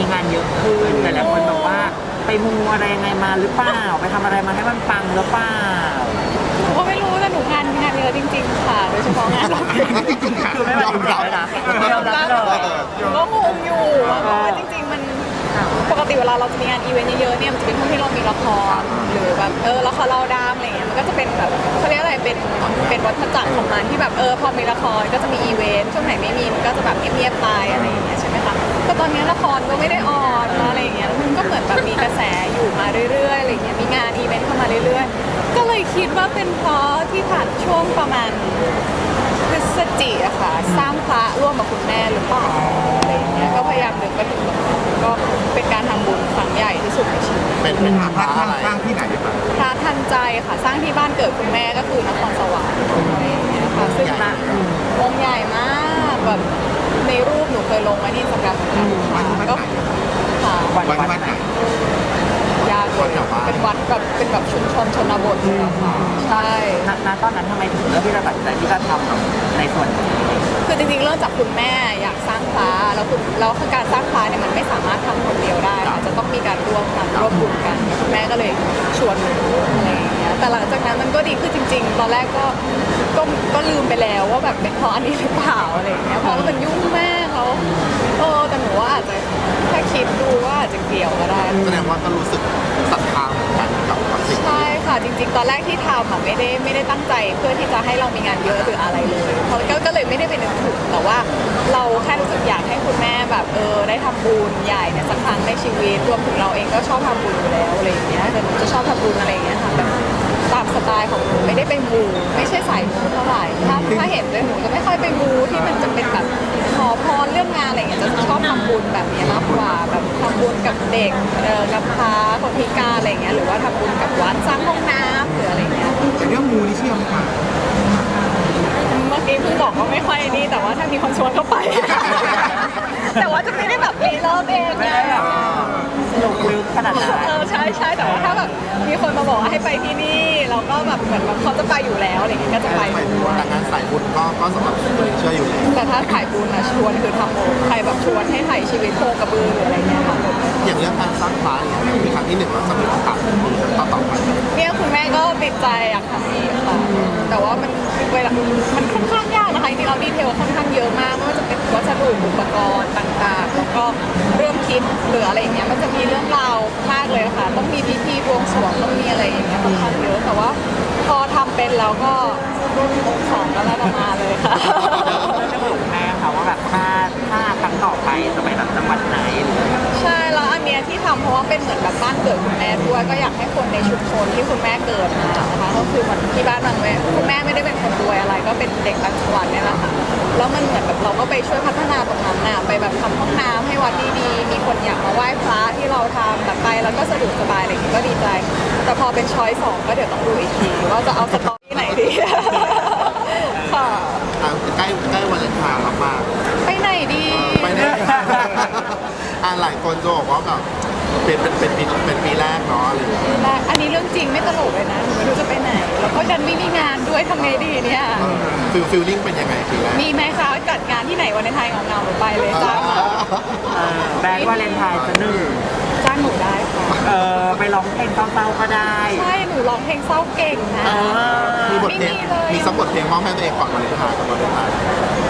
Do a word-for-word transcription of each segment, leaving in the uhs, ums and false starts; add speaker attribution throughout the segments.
Speaker 1: งานเยอะขึ้นแต่หลายคนบอกว่าไปมูอะไรยังไงมาหรือเปล่าไปทำอะไรมาให้มันปังหรือเปล่า
Speaker 2: หนูก็ไม่รู้แต่หนูงานงานเยอะจริงๆค่ะโดยเฉพาะงานร้องเพลง
Speaker 1: คือไม่ยอมรับเลยนะไม่ยอมรับเลย
Speaker 2: หนูก็งงอยู่เพราะว่าจริงๆมันปกติเวลาเราจะมีงานอีเวนต์เยอะๆเนี่ยมันจะเป็นช่วงที่เรามีละครหรือแบบเออละครเราดามอะไรเงี้ยมันก็จะเป็นแบบเขาเรียกอะไรเป็นเป็นวัฏจักรของมันที่แบบเออพอมีละครก็จะมีอีเวนต์ช่วงไหนไม่มีมันก็จะแบบเงียบๆไปอะไรอย่างเงี้ยใช่ไหมคะแต่ตอนนี้ละครก็ไม่ได้ออนอะไรอย่างเงี้ยมันก็เหมือนแบบมีกระแสอยู่มาเรื่อยๆอะไรเงี้ยมีงานอีเวนต์เข้ามาเรื่อยๆก็เลยคิดว่าเป็นเพราะที่ผ่านช่วงประมาณพฤศจิกอะค่ะสร้างพระร่วมกับคุณแม่หรือเปล่าอะไรอย่างเงี้ยก็พยายามนึกไปถึงก็เป็นการทำบุญครั้งใหญ่ที่สุดในชีวิต
Speaker 3: เป็นเป็นพระอะไรสร้างที่ไหนครับ
Speaker 2: พระทันใจค่ะสร้างที่บ้านเกิดคุณแม่ก็คือนครสวรรค์อะไรอย่างเงี้ยค่ะซึ่งองค์ใหญ่มากแบบในรูปหนูเคยลงไว้ที่สกัดค่ะก็ค่ะ
Speaker 3: วัดวัดไหน
Speaker 2: ยากเลยเป็นวัดแบบเป็นแบบชุมชนชนบทเลยค่ะใช่
Speaker 1: ณตอนนั้นทำไมถึงเลือกที่จะตัดใจที่จะทำในส่วนนี้
Speaker 2: คือจริงๆเริ่มจากคุณแม่อยากสร้างพระแล้วคุณแล้วการสร้างพระเนี่ยมันไม่สามารถทำคนเดียวได้จะต้องมีการร่วมกันร่วมบุญกันคุณแม่ก็เลยชวนหนูอะไรอย่างเงี้ยแต่หลังจากนั้นมันก็ดีขึ้นจริงๆตอนแรกก็ก็ก็ลืมไปแล้วว่าแบบเป็นเพราะอันนี้หรือเปล่าอะไรอย่างเงี้ยเพราะว่ามันยุ่งมากแล้วเออแต่หนูว่าอาจจะถ้าคิดดูว่าอาจจะเกี่ยวก็ได้
Speaker 3: แสดงว่าก็รู้สึกศรัทธาเหมือนกันกับสิ่ง
Speaker 2: ใช่ค่ะจริงๆตอนแรกที่ทำอ่ะไม่ได้ไม่ได้ตั้งใจเพื่อที่จะให้เรามีงานเยอะหรืออะไรเลยเพราะก็เลยไม่ได้เป็นนึกถึงแต่ว่าเราแค่รู้สึกอยากให้คุณแม่แบบเออได้ทำบุญใหญ่เนี่ยสักครั้งในชีวิตรวมถึงเราเองก็ชอบทำบุญอยู่แล้วอะไรอย่างเงี้ยแต่หนูจะชอบทำบุญอะไรอย่างเงี้ยค่ะแบบตามสไตล์ของหนูไม่ได้ไปมูไม่ใช่สายมูเท่าไหร่ถ้าถ้าเห็นเลยหนูจะไม่ค่อยไปมูที่มันจะเป็นแบบขอพรเรื่องงานอะไรอย่างเงี้ยจะชอบทำบุญแบบนี้มากกว่าแบบทำบุญกับเด็กเออกับพระคนพิการอะไรอย่างเงี้ยหรือว่าทำบุญกับวัดสร้างห้องน้ำหรืออะไรเงี้ย
Speaker 3: แต่เรื่องมูนี่เชื่อไหมคะ
Speaker 2: เมื่อกี้เพิ่งบอกว่าไม่ค่อยนี่แต่ว่าถ้ามีคนชวนก็ไปแต่ว่าจะไม่ได้แบบรีเริ่มเอง
Speaker 1: ไม่ได้แบบลงลึกขนาดนั้น
Speaker 2: เออใช่ใช่แต่ว่าถ้าแบบมีคนมาบอกให้ไปที่นี่เราก็แบบเหมือนแบบเขาจะไปอยู่แล้วอะไรอย่างเงี้ยก็จะไปด้วย
Speaker 3: แต่งานสายบุญก็ก็สำหรับเชื่ออยู่
Speaker 2: แต่ถ้าถ่ายบุญนะชวนคือทำโมใครแบบชวนให้ถ่ายชีวิตโคกระบือหรืออะไรเงี้ยค่ะ
Speaker 3: อย่างเรื่องการสร้างพระเนี่ยมีครั้งที่หนึ่งเราจะมีโอกาสต่อต่อไป
Speaker 2: เนี่ยคุณแม่ก็ติดใจอยากทำอีกค่ะแต่ว่ามันเวลามันค่อนข้างยากนะคะจริงๆเราดีเทลค่อนข้างเยอะมากไม่ว่าจะเป็นวัสดุอุปกรณ์ต่างๆแล้วก็เรื่องคิดหรืออะไรอย่างเงี้ยมันจะมีเรื่องราวมากเลยค่ะต้องมีพิธีบวงสรวงต้องมีอะไรอย่างเงี้ยค่อนข้างเยอะแต่ว่าพอทำเป็นแล้วก็องค์สองก็แล้วมาเลยค่ะ
Speaker 1: จะบอกแม่ค่ะว่าแบบถ้าถ้าครั้งต่อไปจะไปแบบจังหวัดไหน
Speaker 2: ใช่แล้วอันเนี้ยที่ทำเพราะว่าเป็นเหมือนแบบบ้านเกิดคุณแม่ด้วยก็อยากให้คนในชุมชนที่คุณแม่เกิดมานะคะก็คือเหมือนที่บ้านบางแม่คุณแม่ไม่ได้เป็นคนรวยอะไรก็เป็นเด็กต่างจังหวัดเนี่ยแหละค่ะแล้วมันเหมือนแบบเราก็ไปช่วยพัฒนาตรงนั้นน่ะไปแบบทำห้องน้ำให้วัดดีๆมีคนอยากมาไหว้พระที่เราทำแบบไปแล้วก็สะดวกสบายอะไรอย่างงี้ก็ดีใจแต่พอเป็นช้อยสองก็เดี๋ยวต้องดูอีกทีว่าจะเอาสตอรี่ไหนดีค่ะ
Speaker 3: ใกล้ใกล้วันเลนไทน์มาก
Speaker 2: ไปไหนดี
Speaker 3: ไปไหนอ่าหลายคนจะบอกว่าแบบเป็นเป็นเป็นปีเป็นปีแรกเนาะอะไรอย่างเงี้ย
Speaker 2: อันนี้เรื่องจริงไม่ตลกเลยนะหนูไม่รู้จะไปไหนแล้วก็ดันไม่มีงานด้วยทำไงดีเนี่ย
Speaker 3: ฟิลฟิลลิ่งเป็นยังไงปีแรก
Speaker 2: มีไหมคะจัดงานที่ไหนวันเลนไทน์เงาๆหนูไปเลยจ้างมา
Speaker 1: แบงค์วาเลนไทน์จะหนึ่ง
Speaker 2: จ้างหนูได้ค่ะ
Speaker 1: เออไปร้องเพลงเศร้าๆก็ได้
Speaker 2: ใช่หนูร้องเพลงเศร้าเก่งนะ
Speaker 3: มีบทเพลงมีสักบทเพลงมอบให้ตัวเองก่อนวาเลนไทน์กับวาเลนไทน์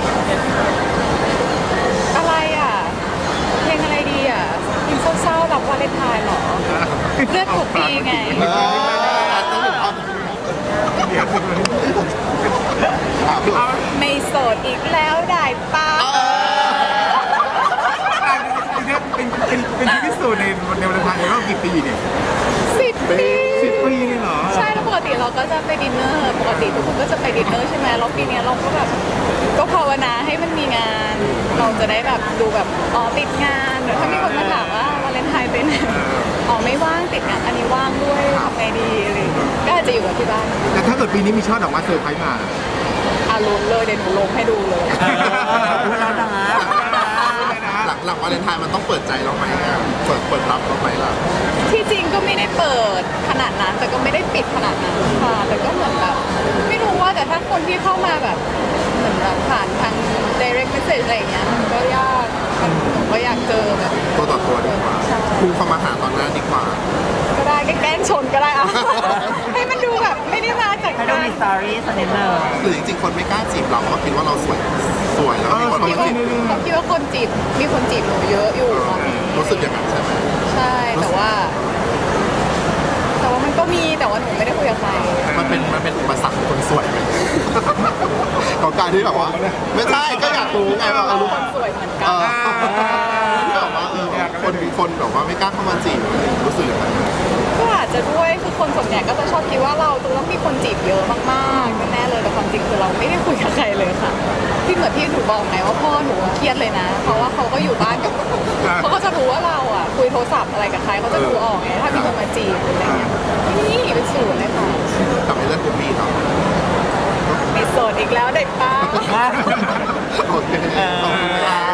Speaker 2: อะไรอ่ะเพลงอะไรดีอ่ะเพลงเศร้าๆแบบวาเลนไทน์หรอเลือดถูกปีไงไม่โสดอีกแล้วได้ป้า
Speaker 3: เป็นเป็นเป็นที่พิสูจน์ในในวาเลนไทน์ในรอบกี่ปีเนี่ย
Speaker 2: สิบปี
Speaker 3: สิบปีเลยเหรอ
Speaker 2: ใช่แล้วปกติเราก็จะไปดินเนอร์ปกติทุกคนก็จะไปดินเนอร์ใช่ไหมแล้วปีนี้เราก็แบบก็ภาวนาให้มันมีงานเราจะได้แบบดูแบบอ๋อติดงานหรือถ้ามีคนมาถามว่าวาเลนไทน์เป็นอ๋อไม่ว่างติดงานอันนี้ว่างด้วยทำไงดีอะไรก็อาจจะอยู่กับที่บ้าน
Speaker 3: แต่ถ้าเกิดปีนี้มีช่อดอกไม้เซอร์ไพรส์มา
Speaker 2: อ่ะลงเลยเดี๋ยวหนูลงให้ดูเลย
Speaker 1: แล้วนะ
Speaker 3: หลังหลังวาเลนไทน์มันต้องเปิดใจเราไหมเปิดเปิดรับเราไหมล่ะ
Speaker 2: ที่จริงก็ไม่ได้เปิดขนาดนั้นแต่ก็ไม่ได้ปิดขนาดนั้นค่ะแต่ก็เหมือนแบบไม่รู้ว่าแต่ถ้าคนที่เข้ามาแบบเหมือนแบบผ่านทาง direct message อะไรอย่างเงี้ยมันก็ยากมันผมก็อยากเจอแบบ
Speaker 3: ตัวต่อตัว
Speaker 2: เอ
Speaker 3: คนมาหาตอนหน้าดีกว่า
Speaker 2: ก็ได้แกล้งชนก็ได้อะ ให้มันดูแบบไม่ได้มาจาก
Speaker 1: ให้ดู
Speaker 2: การ
Speaker 1: มีสตอรี่สักนิดหนึ่ง
Speaker 3: หรือจริงๆคนไม่กล้าจีบเราเพราะคิดว่าเราสวยสวยแล้วมีคน
Speaker 2: คิด
Speaker 3: มา
Speaker 2: ว่า
Speaker 3: จีบ
Speaker 2: เขาคิดว่าคนจีบมีคนจีบหนูเยอะอยู่ตอนนี้
Speaker 3: รู้สึกอย่างนั้นใช่ไหม
Speaker 2: ใช่แต่ว่า แต่ว่ามันก็มีแต่ว่าหนูไม่ได้คุยกับใคร
Speaker 3: มันเป็นมันเป็นอุปสรรคของคนสวยไหม ของการที่แบบว่า ไม่ใช่ก็อยากรู้ไงว่าเออรู้
Speaker 2: คนสวยเหมือน
Speaker 3: เอ
Speaker 2: กัน
Speaker 3: อที่แบบว่าเออคนมีคนแบบว่าไม่กล้าเข้ามาจีบรู้สึกอย่างนั้น
Speaker 2: ก็อาจจะด้วยคือคนส่วนใหญ่ก็จะชอบคิดว่าเราจะต้องมีคนจีบเยอะมากๆแน่ๆเลยแต่ความจริงคือเราไม่ได้คุยกับใครเลยค่ะ ที่เหมือนที่หนูบอกไงว่าพ่อหนูเครียดเลยนะ เพราะว่าเขาก็อยู่บ้านกับเขาก็จะรู้ว่าเราอ่ะคุยโทรศัพท์อะไรกับใครเขาจะดูออกไงถ้ามีคนมาจีบหรืออะไรเงี้ยนี่เป็นศูนย์เลยค่ะ
Speaker 3: แต่ไม่เรื่องกูมีเนาะ
Speaker 2: มีโสดอีกแล้วเด็กป้า
Speaker 3: โอเคขอบคุณค่ะ